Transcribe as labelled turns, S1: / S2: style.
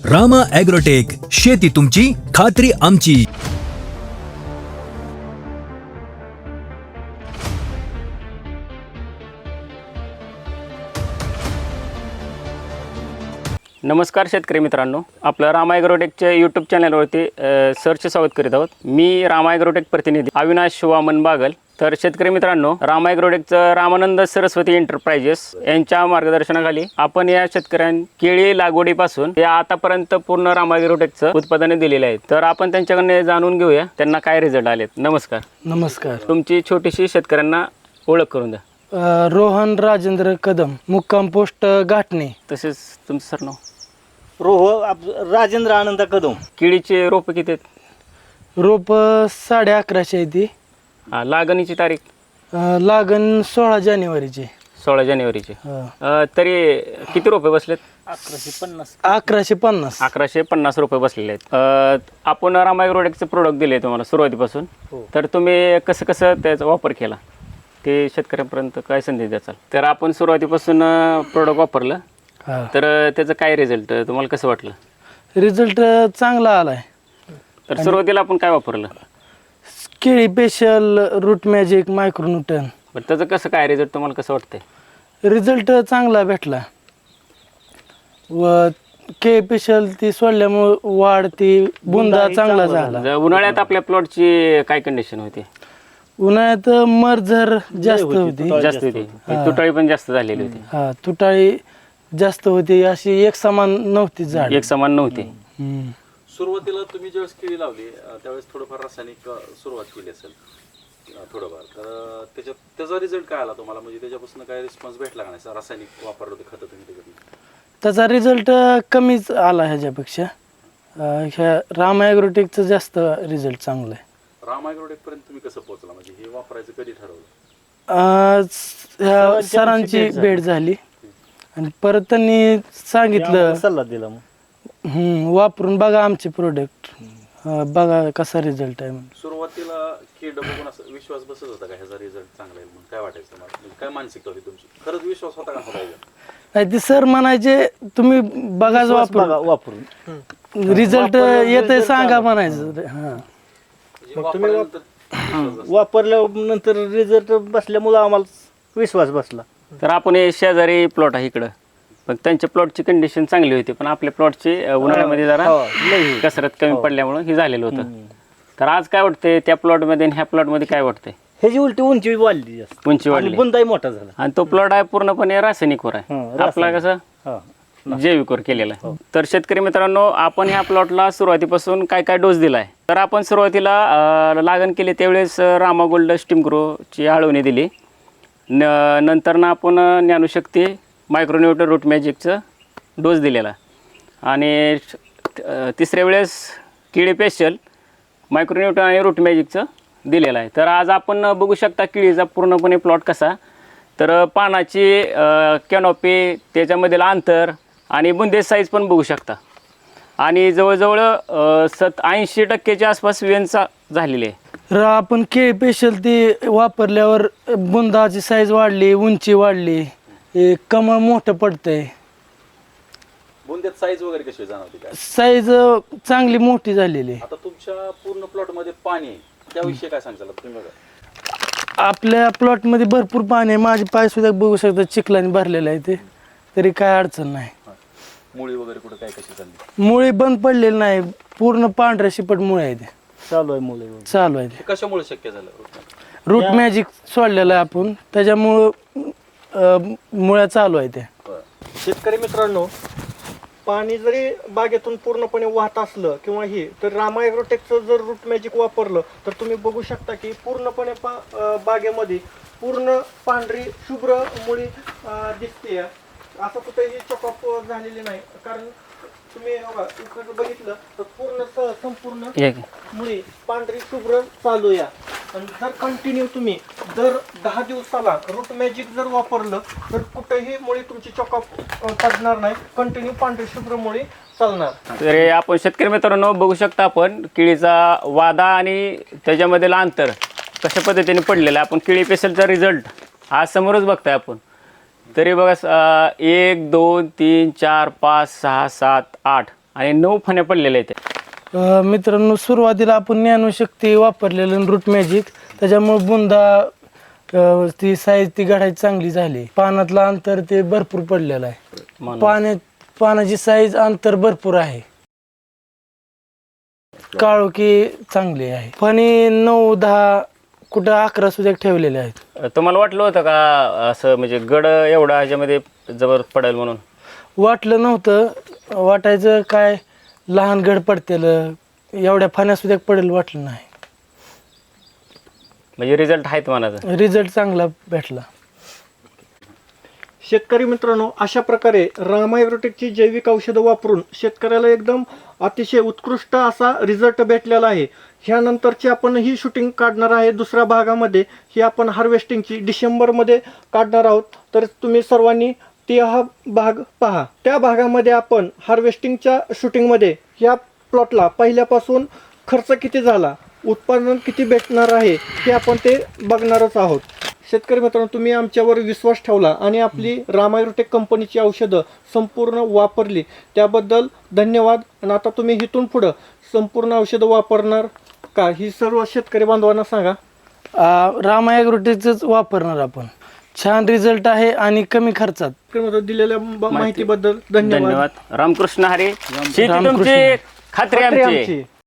S1: Rama agrotech, शेती तुमची, खात्री आमची.
S2: नमस्कार शेतकरी मित्रांनो, आपलं रामा ॲग्रोटेकच्या यूट्यूब चॅनलवरती सर्च स्वागत करीत आहोत. मी रामा ॲग्रोटेक प्रतिनिधी अविनाश वामन बागल. तर शेतकरी मित्रांनो, रामा ॲग्रोटेकचं रामानंद सरस्वती एंटरप्राइजेस यांच्या मार्गदर्शनाखाली आपण या शेतकऱ्यांना केळी लागवडीपासून ते आतापर्यंत पूर्ण रामा ॲग्रोटेकचं उत्पादने दिलेले आहेत. तर आपण त्यांच्याकडनं जाणून घेऊया त्यांना काय रिझल्ट आलेत. नमस्कार.
S3: नमस्कार.
S2: तुमची छोटीशी शेतकऱ्यांना ओळख करून द्या.
S3: रोहन राजेंद्र कदम, मुक्काम पोस्ट घाटणे.
S2: तसेच तुमचं सरनाव.
S4: राजेंद्र आनंद कदम.
S2: केळीचे रोपं किती आहेत?
S3: रोप 1150 आहे ती.
S2: लागणीची तारीख
S3: लागण 16 जानेवारीची.
S2: 16 जानेवारीची.
S3: हा.
S2: तरी किती रुपये बसलेत?
S4: 1150.
S3: 1150.
S2: 1150 रुपये बसलेले आहेत. आपण रामा ॲग्रोटेकचे प्रोडक्ट दिले तुम्हाला सुरुवातीपासून. तर तुम्ही कसं कसं त्याचा वापर केला ते शेतकऱ्यांपर्यंत काय संदेश द्याल? तर आपण सुरुवातीपासून प्रोडक्ट वापरलं,
S3: हा.
S2: तर त्याचं काय रिझल्ट तुम्हाला कसं वाटलं?
S3: रिझल्ट चांगला आलाय.
S2: तर सुरुवातीला आपण काय वापरलं?
S3: केळी स्पेशल, रूट मॅजिक, मायक्रोन्यूटन.
S2: बरं, त्याचं कसं काय रिझल्ट तुम्हाला कसं वाटतंय?
S3: रिझल्ट चांगला भेटला व केळी स्पेशल ती सोडल्यामुळे वाढ ती बुंदा चांगला झाला.
S2: उन्हाळ्यात आपल्या प्लॉटची काय कंडिशन होती?
S3: उन्हाळ्यात मरझर जास्त होती.
S2: जास्त होती, तुटाळी पण जास्त झालेली होती.
S3: हा, तुटाळी जास्त होती, अशी एक समान नव्हती झाड.
S2: एक समान नव्हती.
S5: सुरुवातीला तुम्ही ज्यावेळेस केळी लावली त्यावेळेस थोडंफार रासायनिक सुरुवात केली असेल थोडंफार, तर त्याचा रिझल्ट काय आला तुम्हाला? म्हणजे त्याच्यापासून काय रिस्पॉन्स भेटला का नाही? रासायनिक वापरलं होते खतं तुम्ही त्याच्यात?
S3: त्याचा रिझल्ट कमीच आला ह्याच्यापेक्षा. ह्या रामा ॲग्रोटेकचं जास्त रिझल्ट चांगला आहे.
S5: रामा ॲग्रोटेक पर्यंत तुम्ही कसं पोहोचला? म्हणजे हे वापरायचं कधी ठरवलं?
S3: ह्या सरांची भेट झाली आणि परत त्यांनी सांगितलं,
S4: सल्ला दिला. मग
S3: वापरून बघा आमचे प्रोडक्ट, बघा कसा रिझल्ट आहे म्हणून.
S5: सुरुवातीला कीड बघून असं विश्वास बसत होता का ह्याचा रिझल्ट चांगला आहे म्हणून? काय वाटायचं तुम्हाला? म्हणजे काय मानसिकता होती तुमची? खरंच विश्वास होता का?
S3: नाही, ते सर म्हणायचे तुम्ही बघाच
S4: वापरून
S3: रिझल्ट येते सांगा म्हणायचं. हा,
S4: वापरल्यानंतर रिझल्ट बसल्यामुळं आम्हाला विश्वास बसला.
S2: तर आपण हे शेजारी प्लॉट आहे इकडं, पण त्यांच्या प्लॉटची कंडिशन चांगली होती, पण आपल्या प्लॉटची उन्हाळ्यामध्ये जरा कसरत कमी पडल्यामुळे हे झालेलं होतं. तर आज काय वाटतंय त्या प्लॉटमध्ये आणि ह्या प्लॉटमध्ये काय वाटतंय?
S4: ह्याची उलटी उंची वाढली जास्त,
S2: उंची वाढली,
S4: बुंदाही मोठा झाला.
S2: आणि तो प्लॉट आहे पूर्णपणे रासायनिकवर आहे, आपला कसं जैविकवर केलेला आहे. तर शेतकरी मित्रांनो, आपण ह्या प्लॉटला सुरुवातीपासून काय काय डोस दिलाय? तर आपण सुरुवातीला लागण केली त्यावेळेस रामा गोल्ड स्टीम ग्रोची आळवणी दिली. नंतर ना आपण ज्ञानशक्ती मायक्रोन्यूटन रूट मॅजिकचं डोस दिलेला, आणि तिसऱ्या वेळेस केळी स्पेशल मायक्रोन्यूटन आणि रूट मॅजिकचं दिलेलं आहे. तर आज आपण बघू शकता केळीचा पूर्णपणे प्लॉट कसा. तर पानाची कॅनॉपी, त्याच्यामधील अंतर आणि बुंदे साईज पण बघू शकता, आणि जवळजवळ 80% आसपास वेनचा झालेली आहे.
S3: आपण केळी स्पेशल ती वापरल्यावर बुंदाची साईज वाढली, उंची वाढली, कमळ मोठं पडतंय.
S5: बुंद्यात साईज वगैरे कशी जाणवते काय?
S3: साईज चांगली मोठी झालेली आहे.
S5: आता तुमच्या पूर्ण प्लॉट मध्ये पाणी आहे, त्याविषयी काय सांगाल तुम्ही? बघा,
S3: आपल्या प्लॉटमध्ये भरपूर पाणी आहे. माझे पाय सुद्धा बघू शकता चिखलाने भरलेलं आहे, ते तरी काय अडचण नाही.
S5: मुळी वगैरे कुठं काय कशी चालली?
S3: मुळे बंद पडलेली नाही, पूर्ण पांढऱ्या शिपट मुळे आहे, ते
S4: चालू आहे मुलं.
S3: चालू आहे.
S5: हे कशामुळे शक्य झालं?
S3: रूट मॅजिक सोडलेलं आहे आपण, त्याच्यामुळं मुळ्या चालू आहे ते.
S6: शेतकरी मित्रांनो, पाणी जरी बागेतून पूर्णपणे वाहत असलं किंवा हे, तर रामा ॲग्रोटेकचं जर रूट मॅजिक वापरलं तर तुम्ही बघू शकता की पूर्णपणे बागेमध्ये पूर्ण पांढरी शुभ्र मुळी दिसते. असं कुठेही चॉकअप झालेली नाही, कारण तुम्ही इकडे बघितलं तर पूर्ण संपूर्ण मुळी पांढरी शुभ्र चालू या. आणि जर कंटिन्यू तुम्ही दर 10 दिवसाला रूट मॅजिक जर वापरलं तर कुठेही मुळी तुमची चॉकअप पडणार नाही, कंटिन्यू पांढरी शुभ्र मुळी चालणार.
S2: तर आपण शेतकरी मित्रांनो बघू शकता, आपण केळीचा वादा आणि त्याच्यामधील अंतर कशा पद्धतीने पडलेलं आहे. आपण केळी स्पेशलचा रिझल्ट आज समोरच बघताय आपण. तरी बघा 1 2 3 4 5 6 7 8 आणि 9 फण्या पडलेल्या आहेत.
S3: मित्रांनो, सुरुवातीला आपण ज्ञानशक्ती वापरलेलं रूट मॅजिक, त्याच्यामुळे बुंदा ती साईज ती गाठायची चांगली झाली. पानातलं अंतर ते भरपूर पडलेलं आहे.
S2: म्हणून.
S3: पानाची साईज अंतर भरपूर आहे. काळोखी चांगली आहे. फणी 9, 10 कुठं 11 सुद्धा ठेवलेले आहेत.
S2: तुम्हाला वाटलं होतं का असं म्हणजे गड एवढा ह्याच्यामध्ये जबर पडेल म्हणून?
S3: वाटलं नव्हतं. वाटायचं काय लहान गड पडतेल, एवढ्या फण्या सुद्धा पडेल वाटलं नाही.
S2: म्हणजे रिझल्ट आहेत म्हणायचं.
S3: रिझल्ट चांगला भेटला.
S6: शेतकरी मित्रांनो, अशा प्रकारे रामा ॲग्रोटेकची जैविक औषधं वापरून शेतकऱ्याला एकदम अतिशय उत्कृष्ट असा रिझल्ट भेटलेला आहे. ह्यानंतरची आपण ही शूटिंग काढणार आहे दुसऱ्या भागामध्ये. ही आपण हार्वेस्टिंगची डिसेंबरमध्ये काढणार आहोत. तर तुम्ही सर्वांनी हा भाग पहा. त्या भागामध्ये आपण हार्वेस्टिंगच्या शूटिंगमध्ये या प्लॉटला पहिल्यापासून खर्च किती झाला, उत्पादन किती भेटणार आहे हे आपण ते बघणारच आहोत. शेतकरी मित्रांनो, तुम्ही आमच्यावर विश्वास ठेवला आणि आपली रामा ॲग्रोटेक कंपनीची औषधं संपूर्ण वापरली त्याबद्दल धन्यवाद. आणि आता तुम्ही इथून पुढं संपूर्ण औषधं वापरणार का ही सर्व शेतकरी बांधवांना सांगा.
S3: रामा ॲग्रोटेकच वापरणार आपण. छान रिझल्ट आहे आणि कमी खर्चात.
S6: दिलेल्या माहितीबद्दल धन्यवाद.
S2: धन्यवाद. रामकृष्ण हरी. शेती
S3: रामकृष्ण.
S2: तुमची, खात्री
S6: खात्री
S2: आमची.
S6: आमची.